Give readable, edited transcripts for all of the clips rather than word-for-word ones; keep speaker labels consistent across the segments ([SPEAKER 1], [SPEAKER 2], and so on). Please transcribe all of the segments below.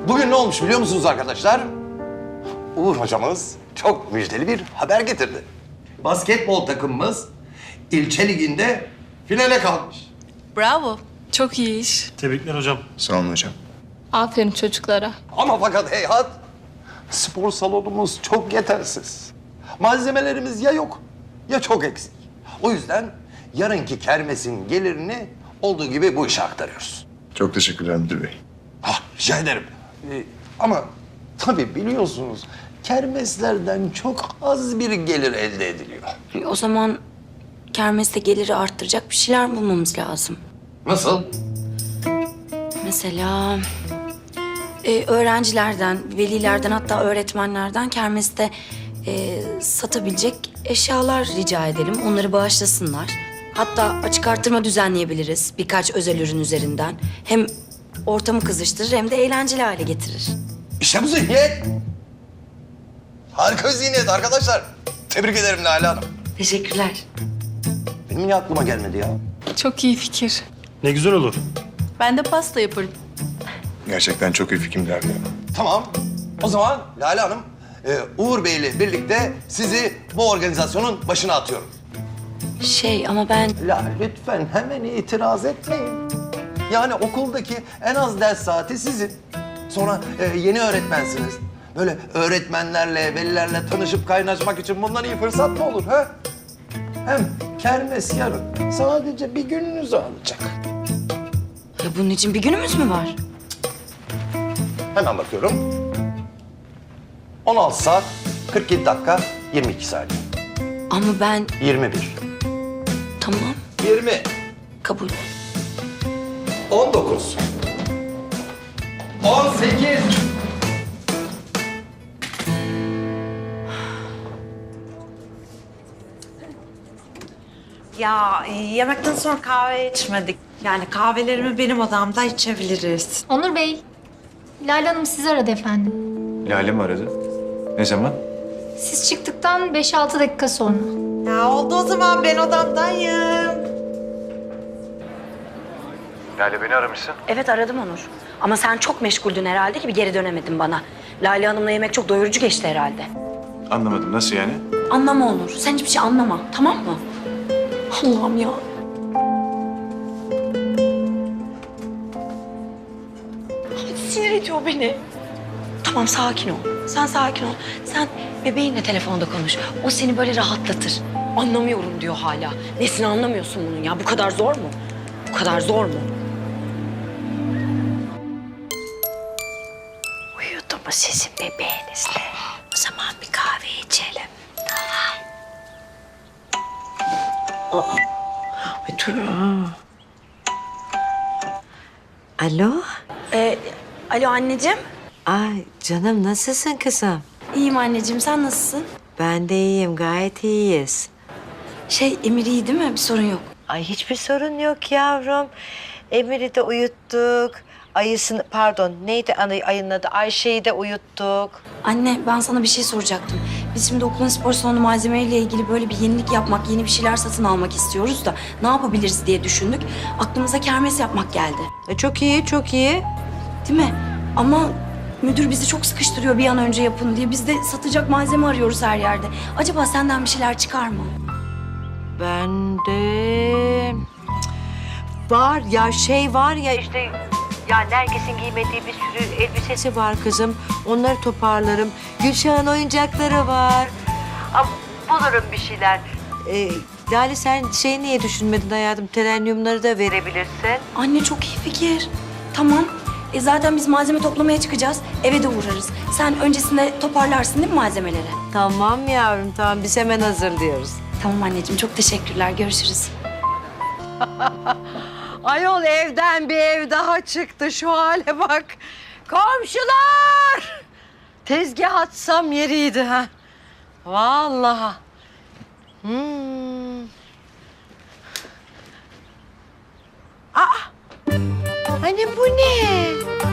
[SPEAKER 1] Bugün ne olmuş biliyor musunuz arkadaşlar? Uğur hocamız çok müjdeli bir haber getirdi. Basketbol takımımız ilçe liginde finale kalmış.
[SPEAKER 2] Bravo. Çok iyi iş.
[SPEAKER 3] Tebrikler hocam.
[SPEAKER 4] Sağ olun hocam.
[SPEAKER 5] Aferin çocuklara.
[SPEAKER 1] Ama fakat heyhat, spor salonumuz çok yetersiz. Malzemelerimiz ya yok ya çok eksik. O yüzden yarınki kermesin gelirini olduğu gibi bu işe aktarıyoruz.
[SPEAKER 4] Çok teşekkürler müdür bey.
[SPEAKER 1] Rica ederim. Ama tabii biliyorsunuz kermeslerden çok az bir gelir elde ediliyor.
[SPEAKER 6] O zaman kermeste geliri arttıracak bir şeyler bulmamız lazım.
[SPEAKER 1] Nasıl?
[SPEAKER 6] Mesela öğrencilerden, velilerden hatta öğretmenlerden kermeste satabilecek eşyalar rica edelim. Onları bağışlasınlar. Hatta açık artırma düzenleyebiliriz birkaç özel ürün üzerinden. Hem ortamı kızıştırır hem de eğlenceli hale getirir.
[SPEAKER 1] İşte bu zihniyet. Harika bir zihniyet arkadaşlar. Tebrik ederim Lale Hanım.
[SPEAKER 6] Teşekkürler.
[SPEAKER 1] Benim niye aklıma gelmedi ya?
[SPEAKER 5] Çok iyi fikir.
[SPEAKER 3] Ne güzel olur.
[SPEAKER 2] Ben de pasta yaparım.
[SPEAKER 4] Gerçekten çok iyi fikirler ya.
[SPEAKER 1] Tamam. O zaman Lale Hanım, Uğur Bey ile birlikte sizi bu organizasyonun başına atıyorum.
[SPEAKER 6] Ama ben...
[SPEAKER 1] La lütfen hemen itiraz etmeyin. Yani okuldaki en az ders saati sizin. Sonra yeni öğretmensiniz. Böyle öğretmenlerle, velilerle tanışıp kaynaşmak için bundan iyi fırsat mı olur ha? Hem kermes yarın. Sadece bir gününüzü alacak.
[SPEAKER 6] Ya bunun için bir günümüz mü var?
[SPEAKER 1] Hemen bakıyorum. 16 saat, 47 dakika, 22 saniye.
[SPEAKER 6] Ama ben...
[SPEAKER 1] 21.
[SPEAKER 6] Tamam,
[SPEAKER 1] 20.
[SPEAKER 6] kabul.
[SPEAKER 1] 19. 18.
[SPEAKER 7] Ya yemekten sonra kahve içmedik. Yani kahvelerimi benim odamda içebiliriz.
[SPEAKER 8] Onur Bey, Lale Hanım sizi aradı efendim.
[SPEAKER 4] Lale mi aradı? Ne zaman?
[SPEAKER 8] Siz çıktıktan 5-6 dakika sonra.
[SPEAKER 7] Ya oldu o zaman ben odamdayım.
[SPEAKER 4] Lale beni aramışsın.
[SPEAKER 6] Evet aradım Onur. Ama sen çok meşguldün herhalde ki bir geri dönemedin bana. Lale Hanım'la yemek çok doyurucu geçti herhalde.
[SPEAKER 4] Anlamadım. Nasıl yani?
[SPEAKER 6] Anlama Onur. Sen hiçbir şey anlama. Tamam mı? Allah'ım ya. Sinir ediyor beni. Tamam sakin ol. Sen sakin ol. Sen bebeğinle telefonda konuş. O seni böyle rahatlatır. Anlamıyorum diyor hala. Nesini anlamıyorsun bunun ya? Bu kadar zor mu? Bu kadar zor mu? Uyudu mu sizin bebeğinizle? O zaman bir kahve içelim.
[SPEAKER 7] Ay dur. Alo?
[SPEAKER 6] Alo anneciğim.
[SPEAKER 9] Ay canım nasılsın kızım?
[SPEAKER 6] İyiyim anneciğim. Sen nasılsın?
[SPEAKER 9] Ben de iyiyim gayet iyiyiz.
[SPEAKER 6] Emir iyi değil mi? Bir sorun yok.
[SPEAKER 9] Ay hiçbir sorun yok yavrum. Emir'i de uyuttuk. Neydi ayının adı? Ayşe'yi de uyuttuk.
[SPEAKER 6] Anne ben sana bir şey soracaktım. Biz şimdi okulun spor salonu malzemeleriyle ilgili böyle bir yenilik yapmak, yeni bir şeyler satın almak istiyoruz da ne yapabiliriz diye düşündük. Aklımıza kermes yapmak geldi.
[SPEAKER 9] Çok iyi, çok iyi.
[SPEAKER 6] Değil mi? Ama müdür bizi çok sıkıştırıyor bir an önce yapın diye. Biz de satacak malzeme arıyoruz her yerde. Acaba senden bir şeyler çıkar mı?
[SPEAKER 9] Ben de... Var ya var ya işte... Yani herkesin giymediği bir sürü elbisesi var kızım. Onları toparlarım. Gülşah'ın oyuncakları var. Ama bulurum bir şeyler. Lale sen niye düşünmedin hayatım? Telenyumları da verebilirsin.
[SPEAKER 6] Anne çok iyi fikir. Tamam. Zaten biz malzeme toplamaya çıkacağız. Eve de uğrarız. Sen öncesinde toparlarsın değil mi malzemeleri?
[SPEAKER 9] Tamam yavrum tamam biz hemen hazırlıyoruz.
[SPEAKER 6] Tamam anneciğim çok teşekkürler. Görüşürüz.
[SPEAKER 9] Ayol evden bir ev daha çıktı şu hale bak. Komşular! Tezgah atsam yeriydi ha. Vallahi. Hani bu ne?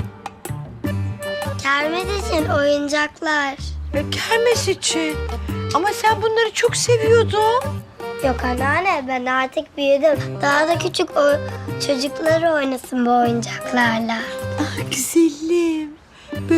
[SPEAKER 10] Kermes için oyuncaklar.
[SPEAKER 9] Kermes için. Ama sen bunları çok seviyordun.
[SPEAKER 10] Yok anneanne ben artık büyüdüm. Daha da küçük çocuklar oynasın bu oyuncaklarla.
[SPEAKER 9] Ah güzelim.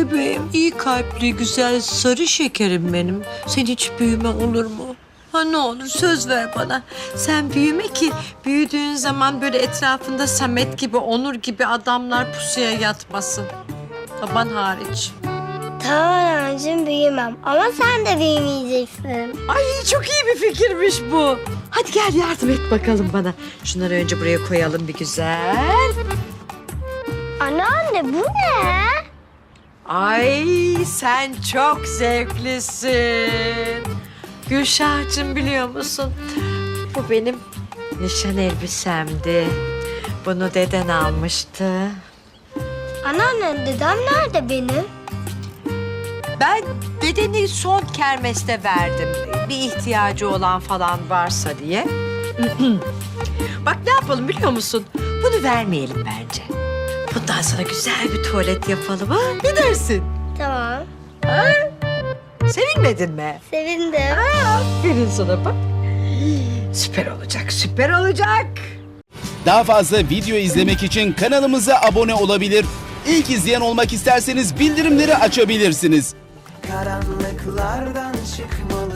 [SPEAKER 9] iyi kalpli, güzel, sarı şekerim benim. Sen hiç büyüme olur mu? Ha ne olur söz ver bana. Sen büyüme ki büyüdüğün zaman böyle etrafında Samet gibi, Onur gibi adamlar pusuya yatmasın. Baban hariç.
[SPEAKER 10] Tamam anneciğim büyümem ama sen de büyümeyeceksin.
[SPEAKER 9] Ay çok iyi bir fikirmiş bu. Hadi gel yardım et bakalım bana. Şunları önce buraya koyalım bir güzel.
[SPEAKER 10] Anneanne bu ne?
[SPEAKER 9] Ay sen çok zevklisin. Gülşah'cığım biliyor musun? Bu benim nişan elbisemdi. Bunu deden almıştı.
[SPEAKER 10] Anneanne dedem nerede benim?
[SPEAKER 9] Ben dedeni son kermeste verdim. Bir ihtiyacı olan falan varsa diye. Bak ne yapalım biliyor musun? Bunu vermeyelim bence. Bundan sonra güzel bir tuvalet yapalım ha? Ne dersin?
[SPEAKER 10] Tamam.
[SPEAKER 9] Sevinmedin mi?
[SPEAKER 10] Sevindim.
[SPEAKER 9] Aferin sana bak. Süper olacak, süper olacak.
[SPEAKER 3] Daha fazla video izlemek için kanalımıza abone olabilir. İlk izleyen olmak isterseniz bildirimleri açabilirsiniz.
[SPEAKER 11] Karanlıklardan çıkmalı.